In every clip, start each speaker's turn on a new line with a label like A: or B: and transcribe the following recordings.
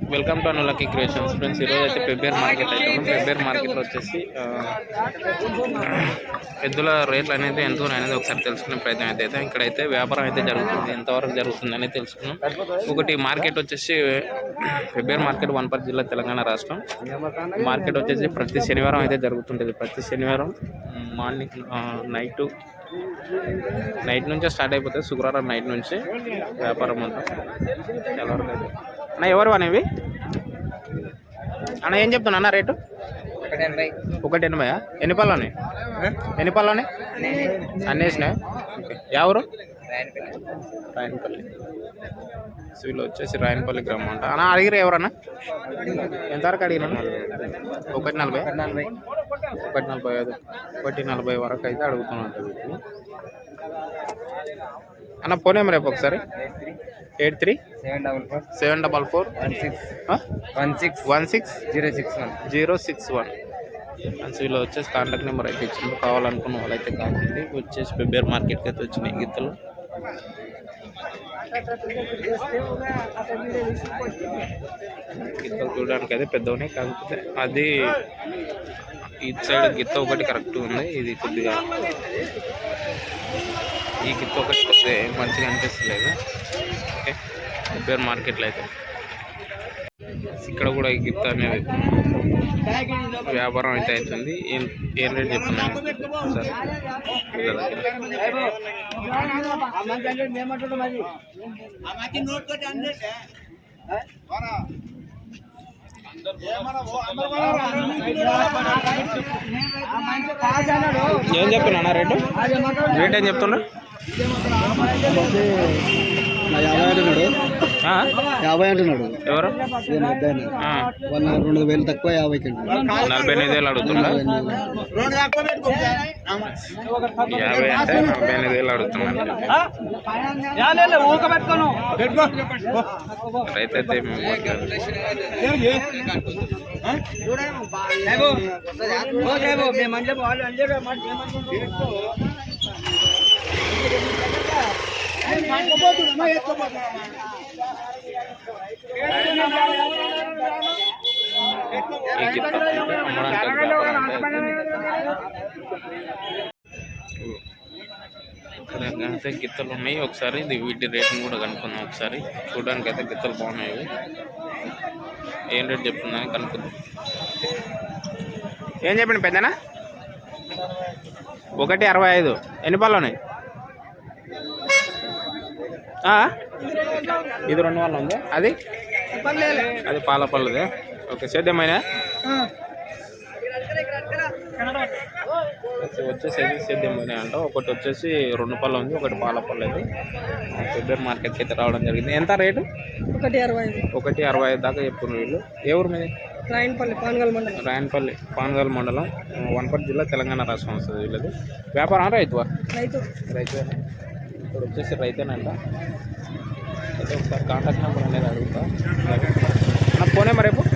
A: Welcome to అనులకి creations friends. ఈరోజు అయితే పెబ్బేర్ మార్కెట్ అయితే ఉన్నాం. పెబ్బేర్ మార్కెట్లో వచ్చేసి ఎద్దుల రేట్లు అనేది ఎంత అనేది ఒకసారి తెలుసుకునే ప్రయత్నం అయితే ఇక్కడైతే వ్యాపారం అయితే జరుగుతుంది, ఎంతవరకు జరుగుతుంది అనేది తెలుసుకున్నాం. ఒకటి మార్కెట్ వచ్చేసి పెబ్బేర్ మార్కెట్ వనపర్తి జిల్లా తెలంగాణ రాష్ట్రం. మార్కెట్ వచ్చేసి ప్రతి శనివారం అయితే జరుగుతుంటుంది. ప్రతి శనివారం మార్నింగ్ నైట్ నుంచే స్టార్ట్ అయిపోతుంది. శుక్రవారం నైట్ నుంచి వ్యాపారం అంతా చాలా వరకు అయితే. అన్న ఎవరు అనేవి అన్న ఏం చెప్తున్నా అన్న రేటు? 180. ఎన్ని పళ్ళని అన్నేసినాయి? ఓకే. ఎవరు? రాయనపల్లి. వీళ్ళు వచ్చేసి రాయనపల్లి గ్రామం అంట. అన్న అడిగిరు ఎవరన్నా? ఎంతవరకు అడిగినా? 140, 145, 140 వరకు అయితే అడుగుతున్నట్టు వీటిని. అన్న ఫోన్ నెంబర్ రేపు ఒకసారి 83-744-16-061. వీళ్ళు వచ్చేసి కాంటాక్ట్ నెంబర్ అయితే ఇచ్చింది. కావాలనుకున్న వాళ్ళైతే కావాలి. వచ్చేసి పెబ్బేర్ మార్కెట్కి అయితే వచ్చినాయి గిత్తలు. గిత్తలు చూడడానికి అయితే పెద్దవనే, కాకపోతే అది ఇటు సైడ్ గిత్త ఒకటి కరెక్ట్ ఉంది. ఇది కొద్దిగా ఈ గిత్త ఒకటి కొద్దిగా మంచిగా అనిపిస్తలేదు. ఓకే. పెబ్బేర్ మార్కెట్లో అయితే ఇక్కడ కూడా ఈ గిత్త అనేది వ్యాపారం అయితే అవుతుంది. ఏం రేట్ చెప్తున్నాను సార్? ఏం చెప్తున్నా రేటు? రేట్ ఏం చెప్తున్నా?
B: 50 అంటున్నాడు.
A: ఎవరు?
B: 2,000 తక్కువ 50కి
A: 45,000 అడుగుతున్నా. 50 అంటే 45,000 అడుగుతున్నాను. రైతు అయితే ఇక్కడ గిత్తలు ఉన్నాయి. ఒకసారి వీటి రేట్ని కూడా కనుక్కుందాం. ఒకసారి చూడడానికి అయితే గిత్తలు బాగున్నాయి. ఏం రేట్ చెప్తుందని కనుక్కుందాం. ఏం చెప్పండి పెద్దనా? 165. ఎన్ని పళ్ళు ఉన్నాయి? ఇది 2 వాళ్ళు ఉంది. అది పాల పళ్ళదే. ఓకే. సేద్యమైనా వచ్చేసి సేద్యమైన అంట. ఒకటి వచ్చేసి 2 పళ్ళు ఉంది, ఒకటి పాల పళ్ళది. పెబ్బేర్ మార్కెట్కి అయితే రావడం జరిగింది. ఎంత రేటు? 165 దాకా చెప్తున్నారు వీళ్ళు. ఏ ఊరు మీది?
B: రాయనపల్లి,
A: పానగల్ మండలం, వనపర్తి జిల్లా, తెలంగాణ రాష్ట్రం వస్తుంది వీళ్ళది. వ్యాపారం రైతు ఇప్పుడు వచ్చేసి రైతేనంట. అయితే ఒకసారి కాంటాక్ట్ నెంబర్ అనేది అడుగుతా. నా ఫోన్ నెంబర్ రేపు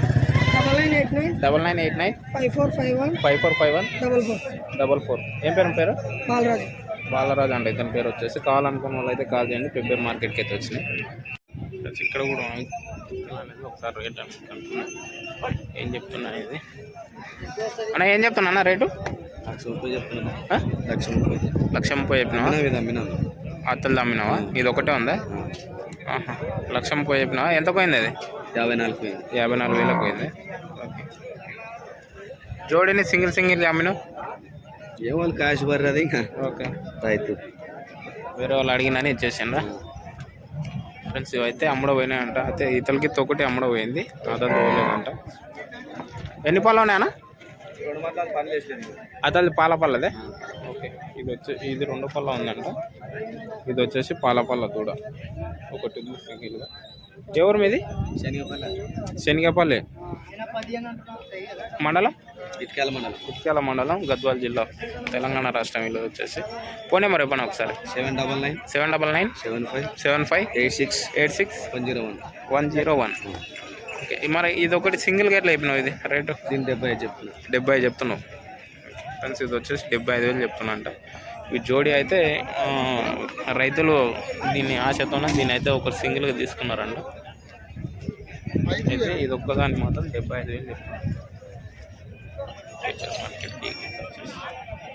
A: 9989545144. ఏం పేరు? బాలరాజు అండి ఇతని పేరు వచ్చేసి. కావాలనుకున్న వాళ్ళు అయితే కాల్ చేయండి. పెబ్బేర్ మార్కెట్కి అయితే వచ్చినాయి. ఇక్కడ కూడా అనేది ఒకసారి రేట్ అనుకుంటున్నా. ఏం చెప్తున్నా ఇది అన్న? ఏం చెప్తున్నా అన్న రేటు?
B: 1,30,000 చెప్తున్నా.
A: 1,30,000 చెప్పినావా? అత్తలు అమ్మినావా? ఇది ఒకటే ఉందా? 1,30,000 చెప్పినావా? ఎంత పోయింది అది? 54,000 పోయింది. ఓకే. జోడిని సింగిల్ అమ్మినావు?
B: ఏమో క్యాష్ బర్రది.
A: ఓకే.
B: రైతు
A: వేరే వాళ్ళు అడిగినని ఇచ్చేసిండ్రా ఫ్రెండ్స్. ఇవైతే అమ్మడం పోయినాయంట. అయితే ఇతలకి ఒకటి అమ్మడం పోయింది, అతను పోలేదంట. ఎన్ని పళ్ళు ఉన్నాయన్నా? అతని పాల పళ్ళదే. ఓకే. ఇది 2 పళ్ళ ఉందంట. ఇది వచ్చేసి పాల పళ్ళ దూడ ఒకటి ఉంది సింగిల్గా. ఎవరు మీది? శనిగపల్లి మండలం, ఇటుక్యాల మండలం, గద్వాల జిల్లా, తెలంగాణ రాష్ట్రం. వీళ్ళు వచ్చేసి ఫోన్ నెంబర్ ఇవ్వండి ఒకసారి. 799-7586-101. ఓకే. మరి ఇది ఒకటి సింగిల్గా ఎట్లా చెప్పినావు? ఇది రేటు? 70 చెప్తున్నావు ఫ్రెండ్స్. ఇది వచ్చేసి 75,000 చెప్తున్నా అంట. ఈ జోడీ అయితే రైతులు దీన్ని ఆశతోనే దీన్ని అయితే ఒక సింగిల్గా తీసుకున్నారంట. అయితే ఇది ఒక్కదానికి మాత్రం 75,000 చెప్తాను. ఫీచర్స్ మార్కెట్ ఈ గీత వచ్చేసి